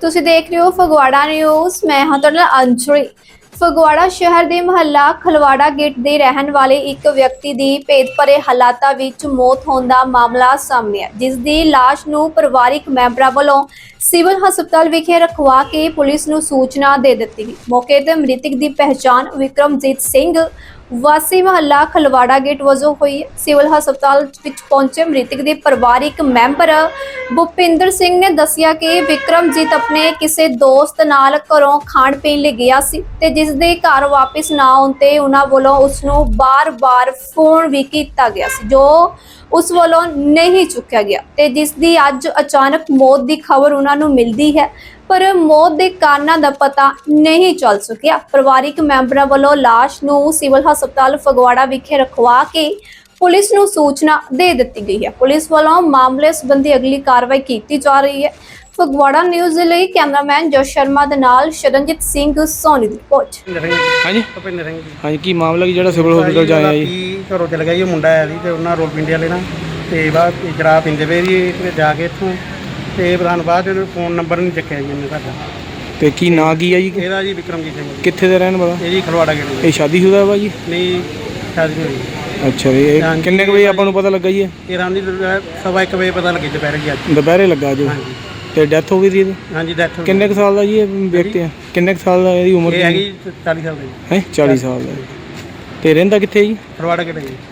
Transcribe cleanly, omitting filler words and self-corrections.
ਤੁਸੀਂ ਦੇਖ ਰਹੇ ਹੋ ਫਗਵਾੜਾ ਨਿਊਜ਼। ਮੈਂ ਹਾਂ ਤੁਹਾਡੇ ਨਾਲ ਅੰਜਲੀ। ਫਗਵਾੜਾ ਸ਼ਹਿਰ ਦੇ ਮੁਹੱਲਾ ਖਲਵਾੜਾ ਗੇਟ ਦੇ ਰਹਿਣ ਵਾਲੇ ਇੱਕ ਵਿਅਕਤੀ ਦੀ ਭੇਦ ਭਰੇ ਹਾਲਾਤਾਂ ਵਿੱਚ ਮੌਤ ਹੋਣ ਦਾ ਮਾਮਲਾ ਸਾਹਮਣੇ ਆਇਆ, ਜਿਸ ਦੀ ਲਾਸ਼ ਨੂੰ ਪਰਿਵਾਰਿਕ ਮੈਂਬਰਾਂ ਵੱਲੋਂ ਸਿਵਲ ਹਸਪਤਾਲ ਵਿਖੇ ਰਖਵਾ ਕੇ ਪੁਲਿਸ ਨੂੰ ਸੂਚਨਾ ਦੇ ਦਿੱਤੀ ਗਈ। ਮੌਕੇ ਤੇ ਮ੍ਰਿਤਕ ਦੀ ਪਹਿਚਾਣ ਵਿਕਰਮਜੀਤ ਸਿੰਘ ਵਾਸੀ ਮੁਹੱਲਾ ਖਲਵਾੜਾ ਗੇਟ ਵਜੋਂ ਹੋਈ। ਸਿਵਲ ਹਸਪਤਾਲ ਵਿੱਚ ਪਹੁੰਚੇ ਮ੍ਰਿਤਕ ਦੇ ਪਰਿਵਾਰਿਕ ਮੈਂਬਰ ਭੁਪਿੰਦਰ ਸਿੰਘ ਨੇ ਦੱਸਿਆ ਕਿ ਵਿਕਰਮਜੀਤ ਆਪਣੇ ਕਿਸੇ ਦੋਸਤ ਨਾਲ ਘਰੋਂ ਖਾਣ ਪੀਣ ਲਈ ਗਿਆ ਸੀ ਤੇ ਜਿਸ ਦੇ ਘਰ ਵਾਪਸ ਨਾ ਆਉਣ ਤੇ ਉਹਨਾਂ ਵੱਲੋਂ ਉਸ ਨੂੰ ਬਾਰ-ਬਾਰ ਫੋਨ ਵੀ ਕੀਤਾ ਗਿਆ ਸੀ, ਜੋ ਉਸ ਵੱਲੋਂ ਨਹੀਂ ਚੁੱਕਿਆ ਗਿਆ ਤੇ ਜਿਸ ਦੀ ਅੱਜ ਅਚਾਨਕ ਮੌਤ ਦੀ ਖਬਰ ਉਹਨਾਂ ਨੂੰ ਮਿਲਦੀ ਹੈ, ਪਰ ਮੌਤ ਦੇ ਕਾਰਨਾਂ ਦਾ ਪਤਾ ਨਹੀਂ ਚੱਲ ਸਕਿਆ। ਪਰਿਵਾਰਿਕ ਮੈਂਬਰਾਂ ਵੱਲੋਂ ਲਾਸ਼ ਨੂੰ ਸਿਵਲ ਹਸਪਤਾਲ ਫਗਵਾੜਾ ਵਿਖੇ ਰਖਵਾ ਕੇ ਪੁਲਿਸ ਨੂੰ ਸੂਚਨਾ ਦੇ ਦਿੱਤੀ ਗਈ ਹੈ। ਪੁਲਿਸ ਵੱਲੋਂ ਮਾਮਲੇ ਸੰਬੰਧੀ ਅਗਲੀ ਕਾਰਵਾਈ ਕੀਤੀ ਜਾ ਰਹੀ ਹੈ। ਫਗਵਾੜਾ ਨਿਊਜ਼ ਦੇ ਲਈ ਕੈਮਰਾਮੈਨ ਜੋਸ਼ ਸ਼ਰਮਾ ਦੇ ਨਾਲ ਸ਼ਰਨਜੀਤ ਸਿੰਘ ਸੋਨੀ ਦੀ ਰਿਪੋਰਟ। ਹਾਂਜੀ ਭੁਪਿੰਦਰ ਸਿੰਘ ਜੀ। ਹਾਂਜੀ, ਕੀ ਮਾਮਲਾ ਕੀ ਜਿਹੜਾ ਸਿਵਲ ਹਸਪਤਾਲ ਚ ਆਇਆ ਜੀ? ਘਰੋਂ ਚਲ ਗਿਆ ਜੀ, ਉਹ ਮੁੰਡਾ ਆਇਆ ਸੀ ਤੇ ਉਹਨਾਂ ਰੋਲ ਪਿੰਡੇ ਵਾਲੇ ਨਾਲ ਤੇ ਬਾਅਦ ਸ਼ਰਾਬ ਪੀਂਦੇ ਪਏ ਜੀ ਤੇ ਜਾ ਕੇ ਇੱਥੋਂ ਤੇ ਪ੍ਰਧਾਨ ਬਾਅਦ ਇਹਨੂੰ ਫੋਨ ਨੰਬਰ ਨਹੀਂ ਚੱਕਿਆ ਜੀ ਇਹਨੇ ਸਾਡਾ। ਤੇ ਕੀ ਨਾਂ ਕੀ ਆ ਜੀ? ਇਹਦਾ ਜੀ ਵਿਕਰਮਜੀਤ ਸਿੰਘ ਜੀ। ਕਿੱਥੇ ਦਾ ਰਹਿਣ ਵਾਲਾ? ਇਹ ਜੀ ਖਲਵਾੜਾ ਗੇਟ। ਇਹ ਸ਼ਾਦੀशुदा ਵਾ ਜੀ? ਨਹੀਂ, ਸ਼ਾਦੀ ਨਹੀਂ ਹੋਈ। ਅੱਛਾ ਜੀ, ਇਹ ਕਿੰਨੇ ਕੁ ਵਜੇ ਆਪਾਂ ਨੂੰ ਪਤਾ ਲੱਗਾ ਜੀ? ਇਹ ਰਾਤ ਦੀ 1:15 ਵਜੇ ਪਤਾ ਲੱਗੀ ਦੁਪਹਿਰ ਜੀ ਅੱਜ। ਦੁਪਹਿਰੇ ਲੱਗਾ ਜੋ। ਹਾਂਜੀ ਤੇ ਡੈਥ ਹੋ ਗਈ ਸੀ ਇਹਦੀ? ਹਾਂਜੀ, ਡੈਥ ਹੋ ਗਈ। ਕਿੰਨੇ ਕੁ ਸਾਲ ਦਾ ਜੀ ਇਹ ਵਿਅਕਤੀ ਆ? ਕਿੰਨੇ ਕੁ ਸਾਲ ਦਾ ਇਹਦੀ ਉਮਰ ਇਹ ਹੈਗੀ 40 ਸਾਲ ਦੀ। ਹੈ 40 ਸਾਲ ਦਾ। ਤੇ ਰਹਿੰਦਾ ਕਿੱਥੇ ਜੀ? ਖਲਵਾੜਾ ਗੇਟ ਜੀ।